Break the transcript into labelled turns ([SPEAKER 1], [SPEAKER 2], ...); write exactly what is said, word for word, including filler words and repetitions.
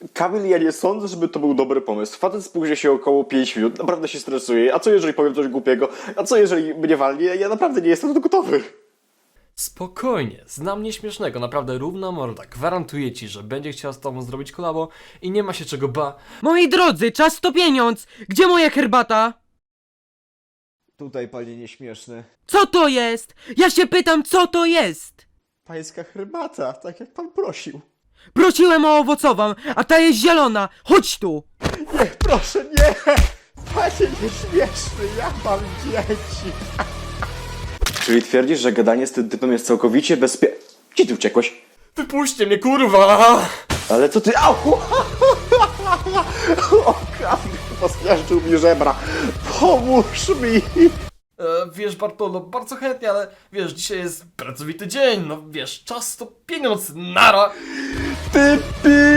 [SPEAKER 1] Kamil, ja nie sądzę, żeby to był dobry pomysł. Facet spóźnia się około pięć minut, naprawdę się stresuje. A co jeżeli powiem coś głupiego? A co jeżeli mnie walnie? Ja naprawdę nie jestem na to gotowy.
[SPEAKER 2] Spokojnie, znam nieśmiesznego, naprawdę równa morda. Gwarantuję ci, że będzie chciał z tobą zrobić kolabo i nie ma się czego ba...
[SPEAKER 3] Moi drodzy, czas to pieniądz! Gdzie moja herbata?
[SPEAKER 4] Tutaj, panie nieśmieszny.
[SPEAKER 3] Co to jest? Ja się pytam, co to jest?
[SPEAKER 1] Pańska herbata, tak jak pan prosił.
[SPEAKER 3] Prosiłem o owocową, a ta jest zielona. Chodź tu!
[SPEAKER 1] Nie, proszę, nie! Panie nieśmieszny, ja mam dzieci. Czyli twierdzisz, że gadanie z tym typem jest całkowicie bezpie... Gdzie ty uciekłeś?
[SPEAKER 2] Wypuśćcie mnie, kurwa!
[SPEAKER 1] Ale co ty... Au! O, Kamil, pospieszczył mi żebra. Pomóż mi!
[SPEAKER 2] E, wiesz, Bartolo, bardzo chętnie, ale wiesz, dzisiaj jest pracowity dzień, no wiesz, czas to pieniądz, nara!
[SPEAKER 1] Typy!